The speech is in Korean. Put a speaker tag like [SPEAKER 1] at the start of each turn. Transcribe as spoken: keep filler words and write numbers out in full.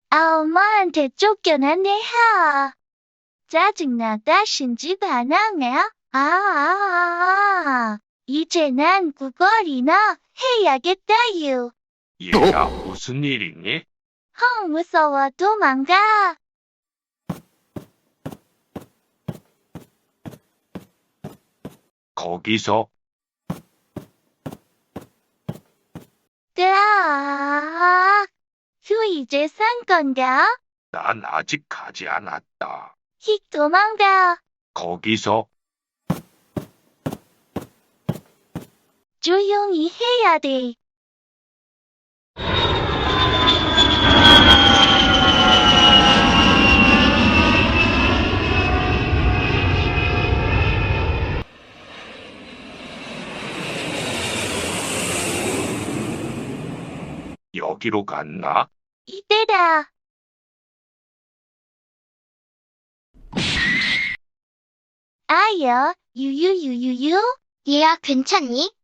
[SPEAKER 1] 아, 엄마한테 쫓겨났네, 하. 짜증나, 다신 집 안 하네. 아, 아, 아, 아. 이제 난 구걸이나 해야겠다유.
[SPEAKER 2] 얘야, 무슨 일이니?
[SPEAKER 1] 헝, 무서워, 도망가.
[SPEAKER 2] 거기서
[SPEAKER 1] 으아, 휴, 이제 산 건가?
[SPEAKER 2] 난 아직 가지 않았다.
[SPEAKER 1] 휙 도망가.
[SPEAKER 2] 거기서
[SPEAKER 1] 조용히 해야 돼.
[SPEAKER 2] 여기로 갔나?
[SPEAKER 1] 이때다. 아야, 유유유유유.
[SPEAKER 3] 얘야, 괜찮니?